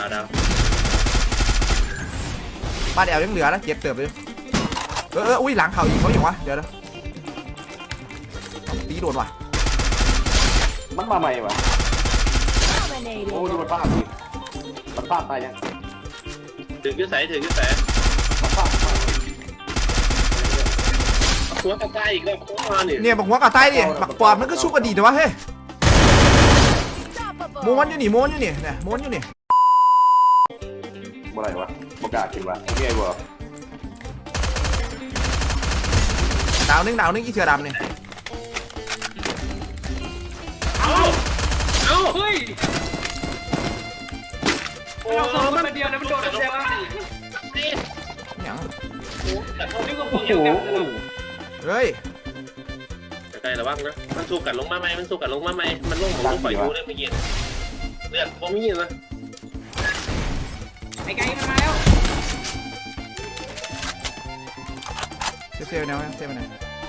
ดาวบ้านแอลยังเหลือนะเก็บเติมเลยอุ้ยหลังเขาอีกเขาอย่างวะเดี๋ยวนะตีโดนว่ะมันมาใหม่วะโอ้ดูมันฟาดดิมันฟาดตายยังถึงยืดใส่มันฟาดหัวกระต่ายอีกแล้วเนี่ยบอกหัวกระต่ายดิบักปอบมันก็ชุบอดีตนะวะเฮ้ยม้วนอยู่นี่เนี่ยม้วนอยู่นี่บ่ไรวะบ่กล้ากินวะไงบ่ดาวนึงอีเสือดำเนี่ยเอาเฮ้ยเราสองคนเดียวนะมันโดดเดียววะยังแต่เขาไม่ก็พโอ้อโหเฮ้ยใกล้ระวังนะมันสู้กันลงมาไหมมันลงปล่อยยูได้ไม่เย็นเลือดผมไม่ยินนะไอ้ไก่มันมาแล้วเซลล์แนวเซลล์ไปไหน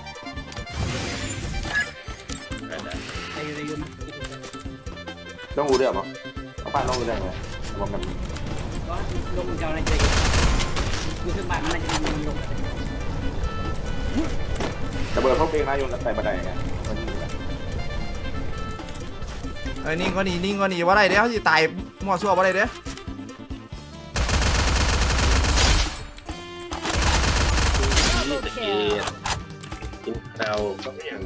ต้องอูเดือดมั้งเอาป้าต้องอูเดือดเลยบอกกันก็ลงเจ้าอะไรเจคือคือบ้านมันจะมีลงระเบิดพวกเองนะอยู่ใส่บันไดไงมันยิงกันนิ่งก็หนีว่าไรเดี๋ยวจะตายมั่วซั่วว่าไรเดี๋ยวกินข้าวก็อย่าง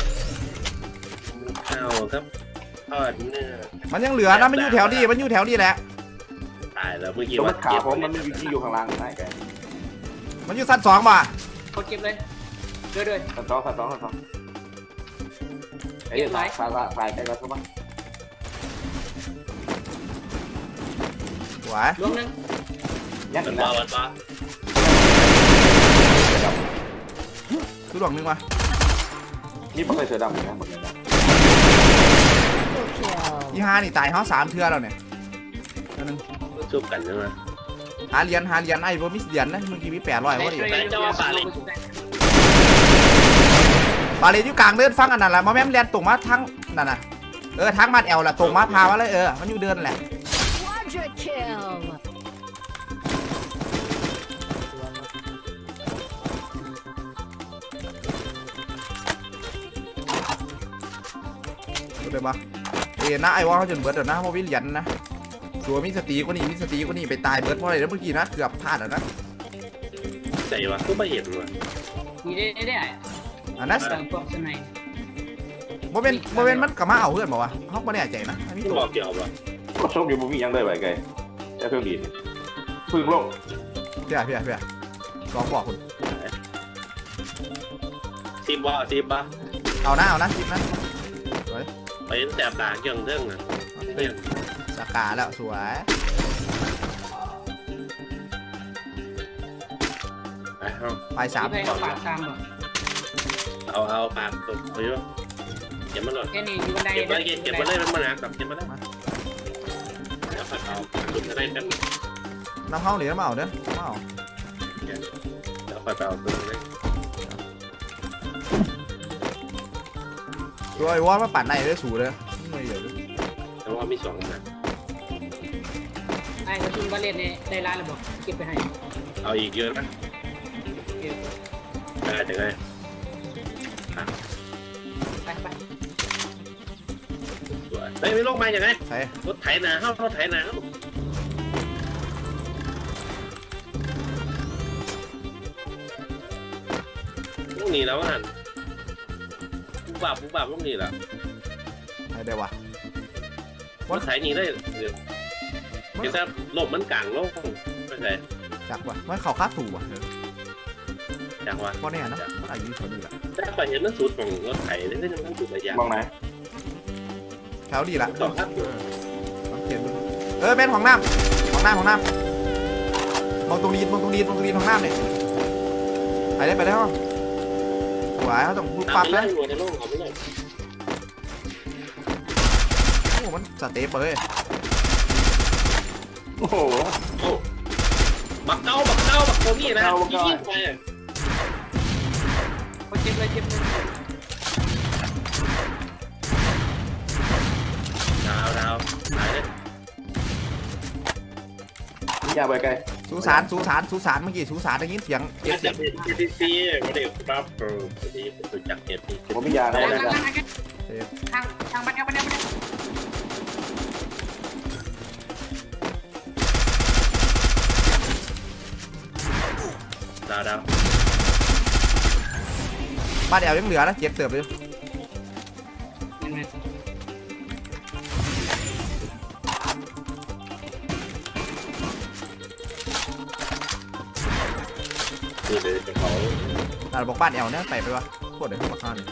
ข้าวครับทอดเนื้อมันยังเหลือนะมันอยู่แถวดีแหละตายแล้วเมื่อกี้ว่าขาผมมันมีอยู่ข้างล่างไหนแกมันอยู่ชั้น2ป่ะเขาเก็บเลยด้วยชั้นสองไอ้สายใกล้แล้วใช่ไหมสวยรวมนึงยัดอีกแล้วคือหลวงนึงวะนี่มันเคยเสือดำเหมือนกันหมดเลยนะที่5นี่ตายเขา3เทื่อแล้วเนี่ยนึงชุบกันใช่ไหมหาเหรียญไอ้พวกมิสเหรียญนะเมื่อกี้มี800ว่าดิบาเลอยู่กลางเดินฟังอันนั้นแหละมาแม่มเรียนตรงมาทั้งนั่นน่ะทั้งมัดแอลล่ะตรงมาพามาเลยมันอยู่เดินแหละดูเลยปะนะไอ้ว่าเขาจนเบิร์ดเดี๋ยวนะเพราะวิเหรียญนะตัวมิสตีก็นี่ไปตายเบิร์ดเพราะอะไรแล้วเมื่อกี้นะเกือบพลาดแล้วนะใจวะก็ไม่เห็นวะมีได้อันนั้นโมเมนต์มันกลับมาเอาเพื่อนบอกว่าเขาไม่แน่ใจนะไม่บอกเกี่ยวกับก็ชกอยู่บุมียังได้ไหวไงแค่เพิ่งดีพึ่งโลกเพี่ยลองบอกคุณซีบบ้าเอานะซิปนะไปแสบตาเกี่ยงเรื่องนะสกาแล้วสวยไป3 เอาปากตกเอาอยู่เก็บมันหน่อยแค่นี้อยู่บันไดเก็บมาเลยมันมาหนักกับเก็บมาได้แล้วเอาจุดอะไรกันน้ำเข้าหรือน้ำเอาเด้อน้ำเอาแล้วไปเอาตัวนี้ตัวไอ้วอลมาปั่นในได้สูเลยไม่เยอะเลยแต่ว่ามี2นะไอ้กระสุนบาเลตเนี่ยได้ร้านหรือเปล่าเก็บไปให้เอาอีกเยอะนะได้จังไงไปไม่ลงมาอย่างไรรถไถนาเข้ารถไถนาลูกหนีแล้วอ่ะปุ๊บบับลูกหนีแล้วได้วะรถไถหนีได้เดี๋ยวถ้าลมมันกลางโลกไม่ใช่จักวะมันเขาคาดถูกวะจักวะเพราะเนี่ยนะมันอายุเท่านี้แหละแต่ไปเห็นมันสุดของรถไถได้ยังมันสุดระยะมองไหนแถวดีละลองเขียนดูเป็นของน้ำมองตรงนี้ของน้ำเนี่ยไปได้ห้องหวายเขาต้องพูดปั๊บนะโอ้มันสเตปเลยโอ้โหบักเก้าโคมี่นะยิงไปเจ็บเลยดาวหายเลยยาไปไกลสุสานเมื่อกี้สุสานได้ยินเสียงเจ็บซีไม่ได้ครับพอดีรู้จักเจ็บซีผมมียานะทางบันเดียวดาวบ้านแอลยังเหลือนะเจ็บเติบเลยนี่เลยเขาบอกบ้านแอลเนี่ยไปวะโคตรเลยมาฆ่าเนี่ย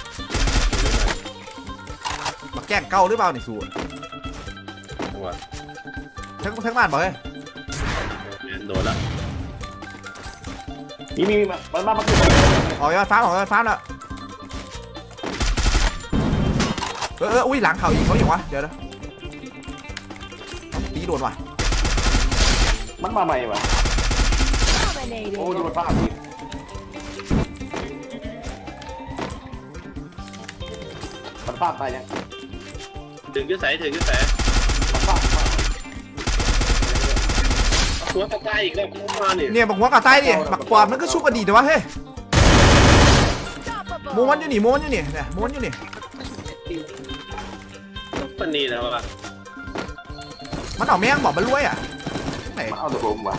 มาแกล้งเก้าหรือเปล่านี่สูหัวทั้งบ้านบอกเลยโดนแล้วมีมันคือออกยอดฟ้าแล้วอุ้ยหลังเขาอีกเขาอย่างวะเดี๋ยวนะตีโดนว่ะมันมาใหม่วะโอ้ดูมันภาพดิมันภาพตายยังถึงยืดใส่มันภาพตัวกระจายอีกแล้วมาเนี่ยเนี่ยบอกหัวกระต่ายดิบักปอบมันก็ชุบอดีตแต่ว่าเฮ้ยม้วนอยู่นี่เนี่ยม้วนอยู่นี่ปันนี้แล้วอ่ะมันเอาแมงบอกมันรวยอ่ะไหนมันเอาตัวผมวะ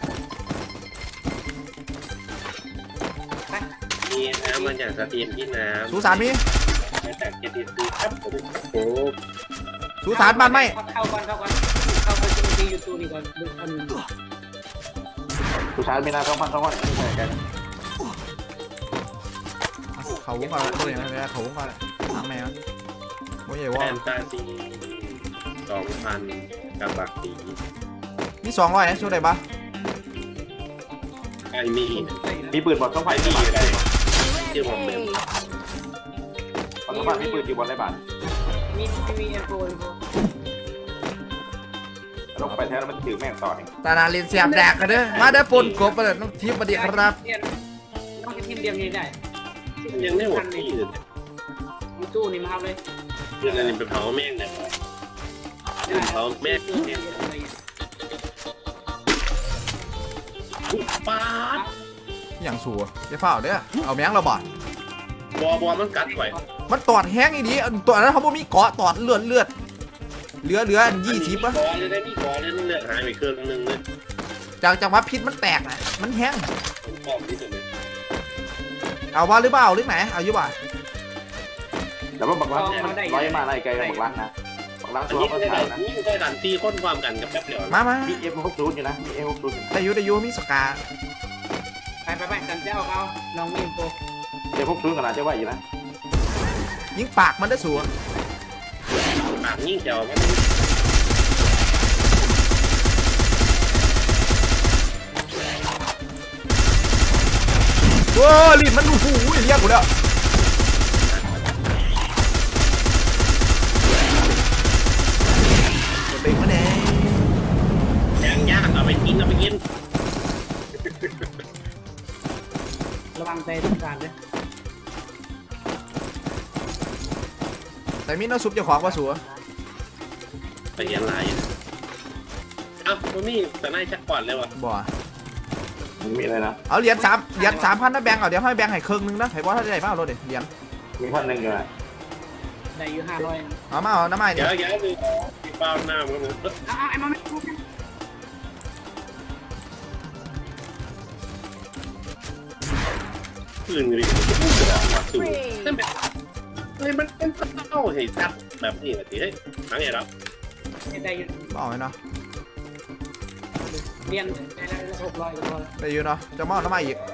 มีน้ำมันอย่างสตรีมที่น้ำสุสานมีแต่เจ็ดดีครับโอ้สุสานบ้านไม่เข้าก่อนเข้าไปดูยูทูบนี่ก่อนดูอันผู้ชายไม่น่าต้องพันใช่กันเขาวงก่อนตัวอย่างไรเขาวงก่อนทางแมวโมยใหญ่ว่าแฟนตาซี2,000กับบักสีมี200นะช่วยได้ปะไอมีมีปืนบอลต้องไฟที่ที่อะไรบ้านที่ผมเป็นต้องบ้านมีปืนอยู่บนไรบ้านมีเอ็นโฟต้องไปแท้แล้วมันถือแม่งต่อเองตานาลินเสียบแดกกันเด้อมาได้ปนกบมาเลยน้องทิพย์มาดีครับต้องทีมเดียวนี้ได้ยังไม่หมดที่อื่นมีตู้นี่มาเอาเลยเรื่องอะไรเป็นเผาแม่งเนี่ยเป็นเผาแม่งเนี่ยป้าอย่างสัวจะเฝ้าเด้อเอาแมงเราบ่บอมันกัดไว้มันตอดแห้งอีดีตัวนั้นเขาบ่มีเกาะตอดเลือดเหลือ20ป่ะกอเลยได้มีกอเลยเลือดหายไปเครื่องนึงเลยจากว่าพิษมันแตกนะมันแห้งกองที่สุดเลยเอาว่าหรือเปล่าหรือไหนเอาอยู่ป่ะแล้วบักลักร้อยมาไล่ไกลบักลักนะบักลักอันตัวนี้เขาได้ถ่ายนะนี่ได้ดันตีค้นความกันกับแป๊บเดียวมามีF60อยู่นะมีF60 ได้อยู่มีสกาไปสันเจ้าเขาลองมีโฟ F60ขนาดจะไหวอยู่นะยิงปากมันได้สัวปากยิ่งเจียวมันโอ้ลิ้นมันหูเรียกกูแล้วจะเป็นมันเองย่างเอาไปกินระวังใจทุกการเลยแต่มีน้ำซุปเจ้าของว่าสัวไปเรียนลายเอ้าตัวนี้แต่นายชักก่อนเลยวะบ่มีอะไรนะเอาเหรียญ3,000นะแบงค์เอาเดี๋ยวให้แบงค์ให้ครึ่งนึงนะให้บอสถ้าได้มาเอารถดิเหรียญมีพันหนึ่งอยู่นะได้อยู่500 เอามาเอาน้ำไม้เดี๋เนี่ยยวดูเปล่าหน้ามันไอ้มันไม่คืนเลยสูนั่นแบบเฮ้ยมันเป็นเต้าเฮ้ยจับแบบนี้แบบนี้เฮ้ยทั้งไงครับได้อยู่เอาไว้เนาะเรียนได้แล้ว600ก็พอได้อยู่เนาะจะมาเอาน้ำไม้อีก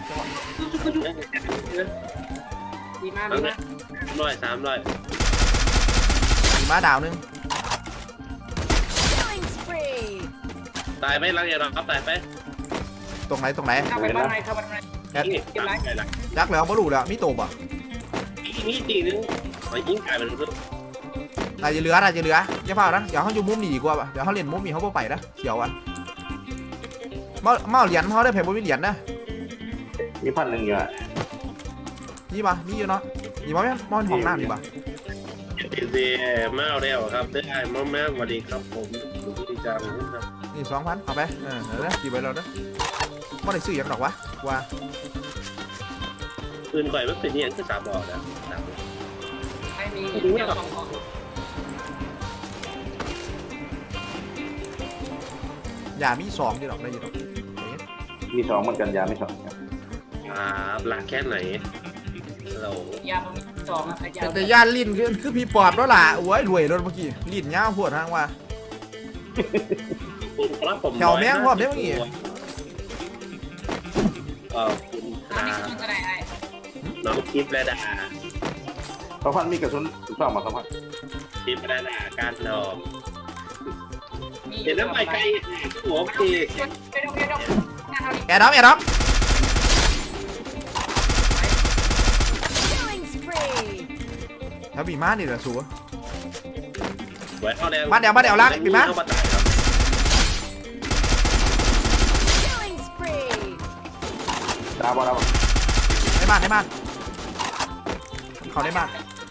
ดีมากทั้งดีนี้มาก 300 มีม้าดาวนึงตายไหมรังไงครับตายไปตรงไหนเข้าไปบ้านไหนเข้าบ้านไหนนี่ตายไปละยักษ์แล้วบ่รู้แล้วมีโตบ่นี่ตีนึงไอ้ยิงกลายเป็นเรื่องน่าจะเหลืออย่าเฝ้านะเดี๋ยวเขาอยู่มุมนี้ดีกว่าป่ะเดี๋ยวเขาเล่นมุมนี้เขาบ่ไปนะเสียวอ่ะมาเหรียญเขาได้แผ่นบ่มีเหรียญนะมีพันหนึ่งอยู่นะนี่ป่ะมีอยู่เนาะนี่ป่ะมอนของน้ำนี่ป่ะเดมาแล้วครับได้มาสวัสดีครับผมดูที่จังครับนี่นี่2,000เอาไปเดี๋ยวนะกี่ใบเราเด้อไม่ได้ซื้ออย่างดอกวะว่าปืนข่อยมันเป็นเนี่ยคือ3บอกนะไม่มีเจ้าของอย่ามี2ดีหรอกได้ยินหรอกมี2เหมือนกันยาไม่2 หลักแค่ไหนเรายามันมี2อ่ะยาแต่ย่านลิ้นคือพี่ปอบแล้วล่ะโอ้ยรวยรถเมื่อกี้ลิ้นยาวโพดทางว่า แถวแม่งพร้อมได้เมื่อกี้คุณอันนี้คืออะไรไอ้น้องทิพย์และดา 2,000มีกระสุน2มา2,000 ทิพย์และดาการนอมเห็นน้ำใบไก่หัวปีไปดูงานเท่านี้แอร์ด็อก Killing spree. แล้วบีมานี่เหรอสัวไว้เอาแดงมาเดี๋ยวล้างปิดมาเข้ามาตายครับ Killing spree. ดาวบ่ดาวในบ้านเขาในบ้าน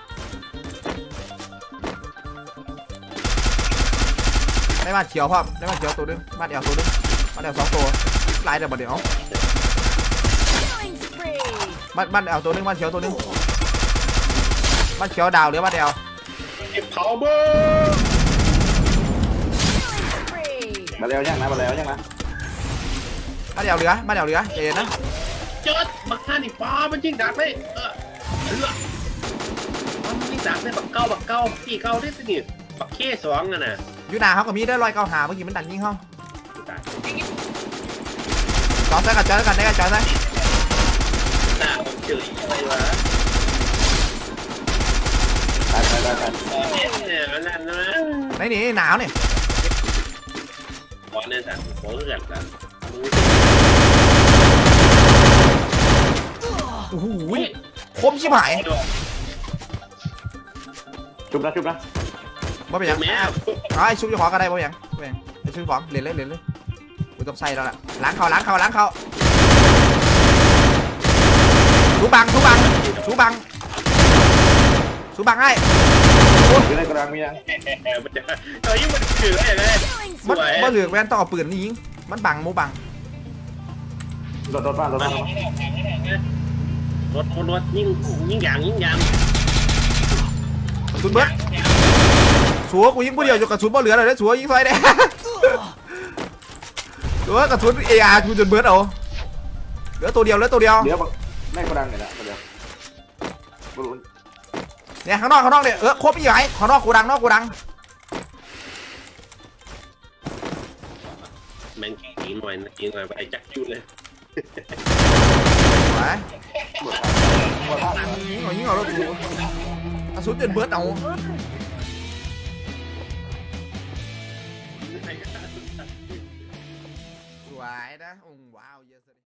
ในบ้านเขียวพ่อในบ้านเขียวตัวนึงบ้านเดียวตัวนึงบ้านเดียว2ตัวหลายเดี๋ยวบ้านเดียว Killing spree. บ้านเดียวตัวนึงบ้านเขียวตัวนึงบ้านเขียวดาวหรือบ้านเดียวเผาเบอร์ Killing spree. มาแล้วยังนะมาแล้วยังนะบ้านเดียวเหลือใจเย็นนะเจิดบักท่านี่ป้ามันยิงดักเลยมันยิงดักเลยบักเก้าตีเก้าได้สิเนี่ยบักเข้2อ่ะนะอยู่หนาเขาก็มีได้100 9หาเมื่อกี้มันดันยิงเขาตายจอดใส่กันได้กันจอดใส่หน้าผมเจออะไรวะตายเนี่ยมันนั่นนะไหนนี่หนาวเนี่ยบอลเนี่ยสั่นโค้งเกิดกันโอ้โหคมชิบหายชุบนะบ่เป็นหยังแม่ไอ้ชุบจะขอก็ได้บ่เป็นหยังไอ้ชุบของเล่นเลยกูต้องใส่แล้วล่ะล้างเขาสูบังให้อยู่ในกระดังมียังมันจะมันคืออะไรเลย Killing มัน spree. บ่เหลือแว่นต้องเอาปืนนี่ยิงมันบังมูบังรถบ้านรถยิ่งยางกระสุนเบิดสัวกูยิงผู้เดียวจนกระสุนบ่เหลือเลยนะสัวยิงซอยได้สัวกระสุนARกูจนเบิดเอาเหลือตัวเดียวเดี๋ยวในกระดังเนี่ยนะเดี๋ยวเนี่ยข้างนอกเนี่ยครบอีกไหมข้างนอกกูดังแมงกินหน่อยไปจักจุดเลยไปยิงเอาแล้วกูกระสุนจนเบิดเอาสวยนะว้าว